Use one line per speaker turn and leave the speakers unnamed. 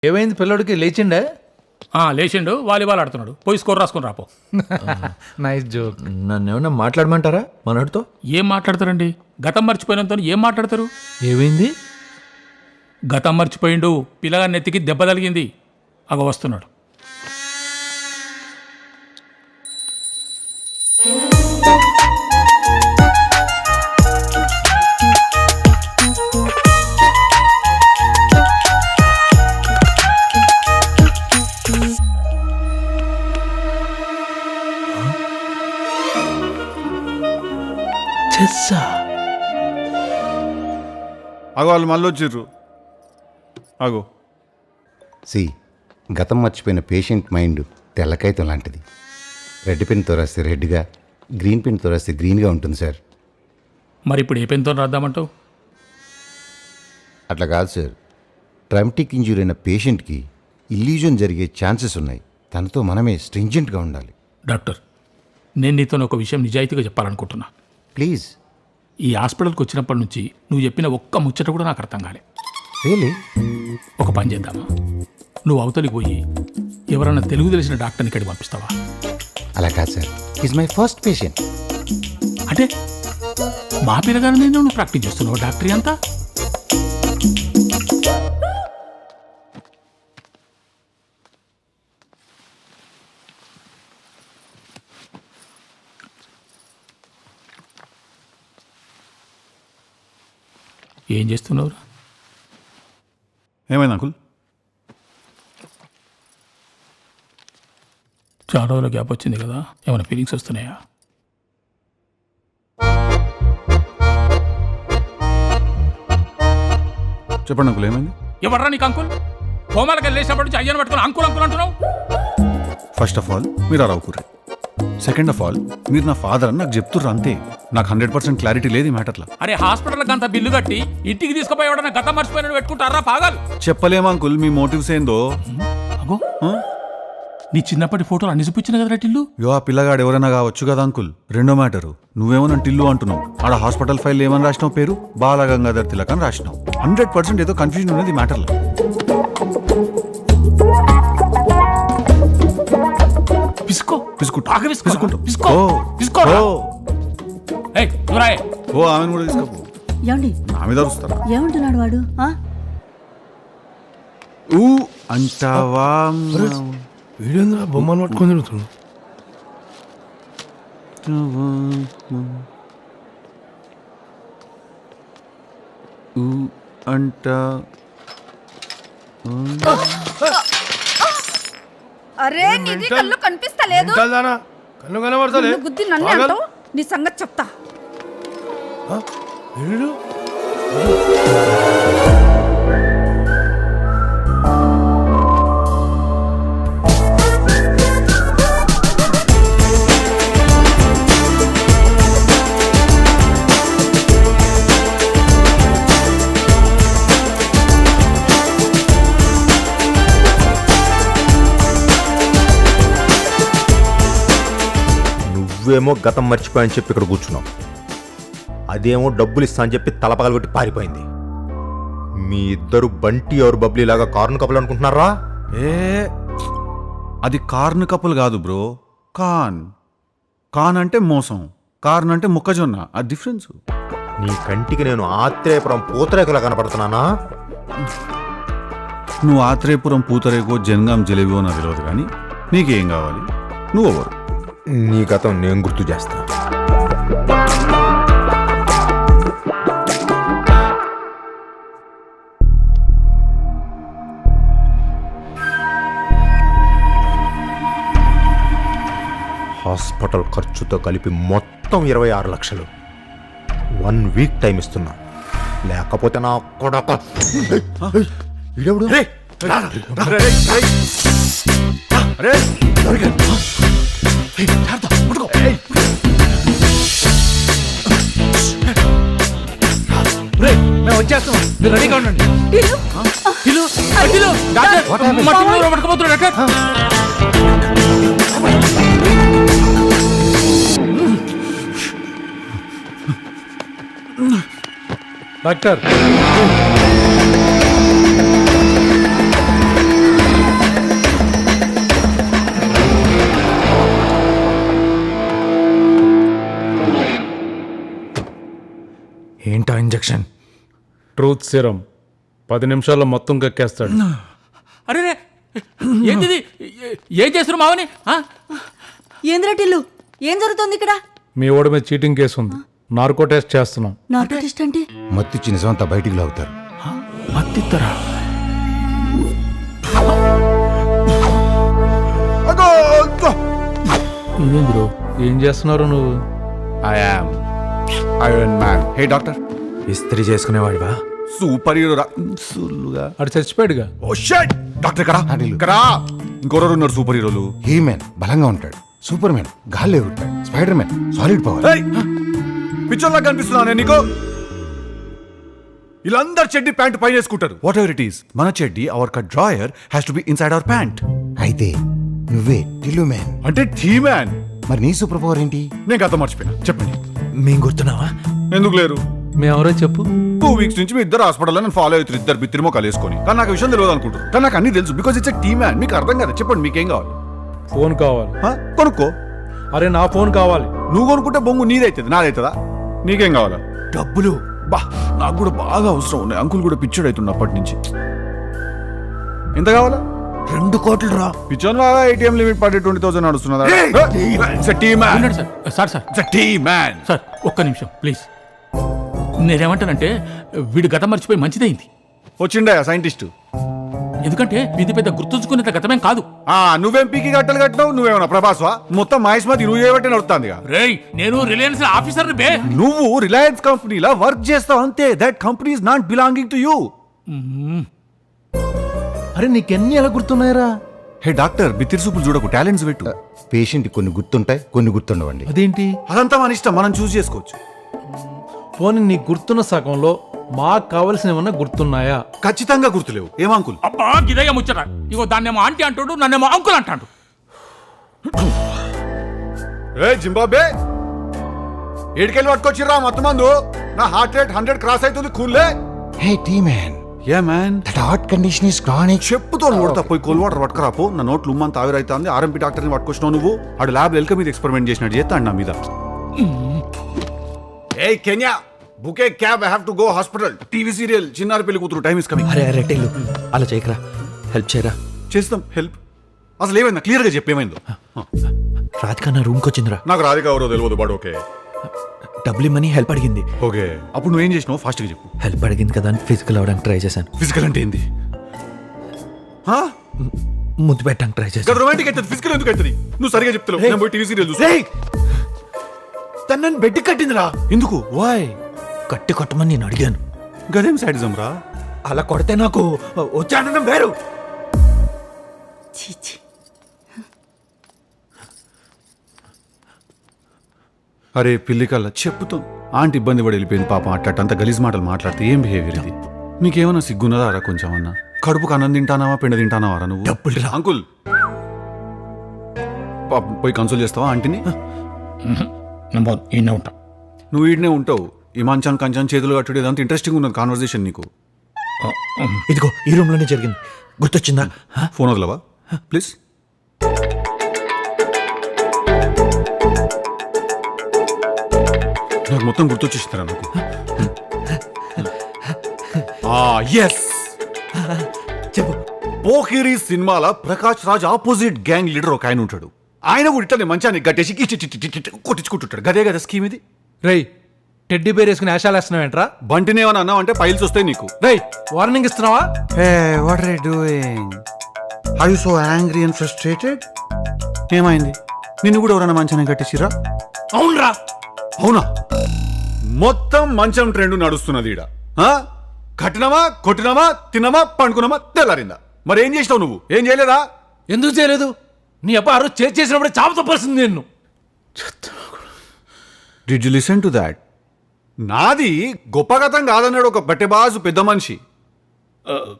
ఏమైంది పిల్లడికి లేచిండే?
లేచిండు, వాలీబాల్ ఆడుతున్నాడు. పోయి స్కోర్ రాసుకుని రాపో.
Nice joke.
నన్ను ఏమన్నా మాట్లాడమంటారా మనోడితో?
ఏం మాట్లాడతారండి? గతం మర్చిపోయినంత ఏం మాట్లాడతారు?
ఏమైంది?
గతం మర్చిపోయిండు. పిల్లగా నెత్తికి దెబ్బ తగిలింది. అగ వస్తున్నాడు.
అగో వాళ్ళు మళ్ళీ వచ్చిర్రు. అగో
గతం మర్చిపోయిన పేషెంట్ మైండ్ తెల్లకాయతం లాంటిది. రెడ్ పెన్తో రాస్తే రెడ్గా, గ్రీన్ పెన్తో రాస్తే గ్రీన్గా ఉంటుంది సార్.
మరి ఇప్పుడు ఏ పెన్తో రాద్దామంటావు?
అట్లా కాదు సార్. ట్రామాటిక్ ఇంజ్యూరీ అయిన పేషెంట్కి ఇల్యూజన్ జరిగే ఛాన్సెస్ ఉన్నాయి. తనతో మనమే స్ట్రింజెంట్గా ఉండాలి.
డాక్టర్, నేను నీతో ఒక విషయం నిజాయితీగా చెప్పాలనుకుంటున్నా.
ప్లీజ్.
ఈ హాస్పిటల్కి వచ్చినప్పటి నుంచి నువ్వు చెప్పిన ఒక్క ముచ్చట కూడా నాకు అర్థం కాలే.
రియలీ?
ఒక పని చేద్దామా? నువ్వు అవతలికి పోయి ఎవరన్నా తెలుగు తెలిసిన డాక్టర్ని ఇక్కడికి పంపిస్తావా?
అలా కాదు sir. Is my first patient.
అంటే మా పిల్లగానే నువ్వు ప్రాక్టీస్ చేస్తున్నావు డాక్టరీ అంతా? ఏం చేస్తున్నావురా?
ఏమైంది అంకుల్?
చాలా రోజుల గ్యాప్ వచ్చింది కదా, ఏమైనా ఫీలింగ్స్ వస్తున్నాయా?
చెప్పండి అంకుల్, ఏమైంది?
ఎవర్రా నీకు అంకుల్? హోమాలకు వెళ్ళేసినప్పటి నుంచి అయ్యను పట్టుకుని అంకుల్ అంకుల్ అంటున్నావు.
ఫస్ట్ ఆఫ్ ఆల్ మీరు అలా అవుకుర్రి. సెకండ్ ఆఫ్ ఆల్ మీరు నా ఫాదర్ అని నాకు చెప్తుర్రు అంతే. నాకు 100% క్లారిటీ లేదు ఈ మ్యాటర్లో.
అరే హాస్పిటల్కి అంత బిల్లు కట్టి ఇంటికి తీసుకుపోయి ఎవడన్నా గతం మర్చిపోయినట్టు పెట్టుకుంటారా పాగాలు?
చెప్పలేము అంకుల్ మీ మోటివ్స్ ఏందో.
అగో, నీ చిన్నప్పటి ఫోటోలు అన్ని చూపించిన కదా టిల్లు.
ఆ పిల్లగాడు ఎవరైనా కావచ్చు కదా అంకుల్. రెండో మ్యాటరు, నువ్వేమో నన్ను టిల్లు అంటున్నావు. ఆడ హాస్పిటల్ ఫైల్ ఏమని రాసినావు? పేరు బాలగంగాధర్ తిలక్ అని రాసినావు. 100% ఏదో కన్ఫ్యూజన్ ఉన్నది ఈ మ్యాటర్లో. ఆమెను కూడా తీసుకోపో. నా మీద అరుస్తారా?
ఏమంటున్నాడు వాడు?
ఊ అంటావా?
వీడేంద్రా బొమ్మను పట్టుకొని తిరుగుతున్నాడు?
అంటా
అరే నీది కళ్ళు కనిపిస్తలేదు.
కన్ను కనబడతలే.
గుద్ది నన్ను అంటావు. నీ సంగతి చెప్తా.
నువ్వేమో గతం మర్చిపోయని చెప్పి ఇక్కడ కూర్చున్నావు, అదేమో డబ్బులు ఇస్తా అని చెప్పి తలపగలగొట్టి పారిపోయింది. మీ ఇద్దరు బంటి ఎవరు బబ్లీ లాగా కార్ను కప్పులు అనుకుంటున్నారా?
అది కార్న్ కప్పులు కాదు బ్రో. కాన్ అంటే మోసం, కార్న్ అంటే మొక్కజొన్న. ఆ డిఫరెన్స్.
నీ కంటికి నేను ఆత్రేయపురం పూతరేకులా కనపడుతున్నానా?
నువ్వు ఆత్రేయపురం పూతరేకో జనగాం జిలేబియో నాకు తెలియదు, కానీ నీకేం కావాలి? నువ్వెవరు?
నీ గతం నేను గుర్తు చేస్తా. హాస్పిటల్ ఖర్చుతో కలిపి మొత్తం 26 లక్షలు. 1 వీక్ టైం ఇస్తున్నా, లేకపోతే నా కొడక. ఇడెవడు?
మేము వచ్చేస్తాం, మీరు రెడీగా ఉండండి. డాక్టర్ ట్రూత్ సిరం 10 నిమిషాల్లో మొత్తం కక్కేస్తాడు.
అరే రే, ఏంది ఇది? ఏం చేస్తున్నారు మావని? ఆ?
ఏంద్రా టిల్లు ఏం జరుగుతుంది ఇక్కడ?
మీ ఓడి మీద చీటింగ్ కేసు ఉంది, నార్కో టెస్ట్ చేస్తున్నాం.
నార్కో టెస్ట్ అంటే?
మత్తిచ్చి నిజమంతా బయటికి లాగుతారు.
మత్తిత్తరా? ఇదేంది బ్రో?
ఏం చేస్తున్నారు నువ్వు?
Iron man. హే డాక్టర్,
ఇస్త్రీ చేసుకునేవాడివా?
సూపర్ హీరో రా. సుల్లుగా.
అటు చచ్చిపోయాడుగా.
ఓ షట్! డాక్టర్ ఇక్కడ ఇక్కడ ఇంకొరరు ఉన్నారు సూపర్ హీరోలు.
హీ మ్యాన్ బలంగా ఉంటాడు, సూపర్ మ్యాన్ గాల్లో ఎగురుతాడు, స్పైడర్ మ్యాన్ సాలిడ్ పవర్.
పిక్చర్లా కనిపిస్తున్నా నేను నీకు? వీళ్ళందరు చెడ్డి ప్యాంట్ పైన వేసుకుంటారు. వాట్ ఎవర్ ఇట్ ఈస్, మన చెడ్డి our cut drawer has to be inside our pant.
అయితే నువ్వే టిల్లు మ్యాన్.
అంటే టీ మ్యాన్.
మరి నీ సూపర్ పవర్ ఏంటి?
నేను గత మర్చిపోయినా, చెప్పండి.
మేము గుర్తున్నావా?
ఎందుకు లేరు?
మేమెవరో చెప్పు.
2 వీక్స్ నుంచి మీ ఇద్దరు హాస్పిటల్లో నేను ఫాలో అవుతారు, ఇద్దరు బిత్తిరి మొక్కలు వేసుకొని. కానీ నాకు విషయం తెలియదు అనుకుంటారు, కానీ నాకు అన్ని తెలుసు. Because it's T man. మీకు అర్థం కదా, చెప్పండి మీకేం కావాలి?
ఫోన్ కావాలి.
కొనుక్కో.
అరే నా ఫోన్ కావాలి.
నువ్వు కొనుక్కుంటే బొంగు నీదైతుంది, నాదైతుందా? నీకేం కావాలా?
డబ్బులు.
బా, నాకు కూడా బాగా అవసరం ఉన్నాయి. అంకుల్ కూడా పిచ్చోడు అవుతుంది అప్పటి నుంచి. ఎంత కావాలా?
2 కోట్లు రా.
పిచ్చోన్ బాగా ఏటీఎం లిమిట్ పడి 20,000 నడుస్తున్నదా?
ఉండండి సార్. సార్ ఒక్క నిమిషం ప్లీజ్. నేనేమంటానంటే వీడు గతం మర్చిపోయి మంచిదైంది.
వచ్చిండే సైంటిస్ట్.
ఎందుకంటే ఇది పెద్ద గుర్తుంచుకునేంత గతమేం కాదు.
నువ్వేం పీకి గట్టలు కట్టినావు? నువ్వేమన్నా ప్రభాస్వా? మొత్తం మహేష్మతి నువ్వు చేయబట్టి నడుస్తుంది.
రేయ్, నేను రిలయన్స్ ఆఫీసర్ బే.
నువ్వు రిలయన్స్ కంపెనీలా వర్క్ చేస్తావు అంతే. That company is not belonging to you.
అరే నీకెన్ని ఎలా గుర్తున్నాయరా?
హే డాక్టర్, బిత్తిరి సూపులు చూడకు, టాలెంట్స్ పెట్టు.
పేషెంట్ కొన్ని గుర్తుంటాయి, కొన్ని గుర్తుండవండి.
అదేంటి?
అదంతా మన ఇష్టం, మనం చూస్ చేసుకోవచ్చు.
పోనీ నీకు గుర్తున్న సగంలో మాకు కావలసినవి ఏమన్నా గుర్తున్నాయా?
ఖచ్చితంగా గుర్తులేవు. ఏం అంకుల్?
అబ్బా గిదయ్య ముచ్చట. ఇగో దాన్నేమో ఆంటీ అంటాడు, నన్నేమో అంకుల్ అంటాడు.
ఏ జింబాబే, ఏడికెళ్ళి పట్టుకొచ్చిర్రా మత్తు మందు? నా హార్ట్ రేట్ 100 క్రాస్ అవుతుంది. కూల్లే.
Hey T man.
Yeah man.
That heart condition is chronic.
చెప్పుతో కొడతా, పోయి కోల్ వాటర్ పట్టుకురాపో. నా నోట్లు ఉమ్మంత ఆవిరైతుంది. ఆర్ఎంపీ డాక్టర్ని పట్టుకొచ్చినావు నువ్వు. ఆడు ల్యాబ్ ఎల్క మీద ఎక్స్పెరిమెంట్ చేసినట్టు చేస్తాడు నా మీద. Hey can you, book a cab, I have to go hospital. TV serial Chinnari Pelli కూతురు, టైం ఇస్ కమింగ్.
అరే టెల్లు, అలా చేయకరా, హెల్ప్ చేయరా.
చేస్తాం హెల్ప్. అసలు ఏమైందా క్లియర్ గా చెప్పేమైందో?
రాధిక నా రూమ్కి వచ్చిందిరా.
నాకు రాధిక ఎవరో తెలియదు, బట్ ఓకే.
డబ్బులు ఇమ్మని హెల్ప్ అడిగింది.
ఓకే, అప్పుడు నువ్వేం చేసినావు? ఫాస్ట్ గా చెప్పు.
హెల్ప్ అడిగింది కదా అని ఫిజికల్ అవ్వడానికి ట్రై చేశాను.
ఫిజికల్ అంటే ఏంది?
ముద్దు పెట్టడానికి ట్రై చేశాను.
రొమాంటిక్ అయితే ఫిజికల్ ఎందుకు అవుతుంది? నువ్వు సరిగా చెప్తావు. నేను పోయి టీవీ సీరియల్ చూస్తా.
తను నన్ను బెడ్ కట్టిందిరా.
ఎందుకు?
వాయ్ కట్టి కొట్టమని నేను అడిగాను.
గదేం సైడిజం రా?
అలా కొడితే నాకు వచ్చాడడం వేరు.
చీచి.
అరే పిల్లి కల్లా చెప్పుతాం. ఆంటీ ఇబ్బంది పడి వెళ్ళిపోయింది పాపం. అట్టంత గలీజ్ మాటలు మాట్లాడితే ఏం బిహేవియర్ ఇది? నీకేమన్నా సిగ్గున్నదా రా కొంచెం అన్నా? కడుపుకు అన్నం తింటానావా, పిండ తింటానావా రా నువ్వు?
డబ్బులు రా.
అంకుల్ పాపం పోయి కన్సోల్ చేస్తావా ఆంటీని?
ఈయన ఉంటా.
నువ్వు ఈడనే ఉంటావు. ఈ మంచం కంచం చేతులు కట్టుడు ఇదంతా ఇంట్రెస్టింగ్ ఉన్నది కాన్వర్సేషన్ నీకు.
ఇదిగో ఈ రూమ్ లోనే జరిగింది. గుర్తొచ్చిందా?
ఫోన్ వదలవా ప్లీజ్? నాకు మొత్తం గుర్తొచ్చేసిందిరా నాకు. ఎస్,
చెప్పు.
పోకిరి సినిమాల Prakash Raj opposite gang leader ఒక ఆయన ఉంటాడు. ఆయన కూడా ఇట్లా మంచాన్ని గట్టేసి కొట్టించుకుంటుంటాడు. గదే కదా స్కీమ్ ఇది.
రేయ్, టెడ్డీ బేర్ వేసుకుని ఆశాలు వేస్తున్నావేంట్రా?
బంటినేమని అన్నావు అంటే పైల్స్ వస్తాయి నీకు.
రేయ్, వార్నింగ్ ఇస్తున్నావా?
Hey, what are you doing? Are you so angry and frustrated? ఏమైంది? నిన్ను కూడా ఎవరైనా మంచాన్ని కట్టేసిరా?
అవునరా.
అవునా? మొత్తం మంచం ట్రెండ్ నడుస్తున్నది ఈడ. కట్టినామా, కొట్టినామా, తిన్నామా, పండుకున్నామా, తెల్లారిందా? మరి ఏం చేసినావు నువ్వు? ఏం చేయలేదా?
ఎందుకు చేయలేదు? నీ అప్ప ఆ రోజు చేసినప్పుడే చాప తప్పల్సింది నిన్ను.
Did you listen to that? నాది గొప్ప గతం కాదన్నాడు ఒక బట్టెబాజు పెద్ద మనిషి.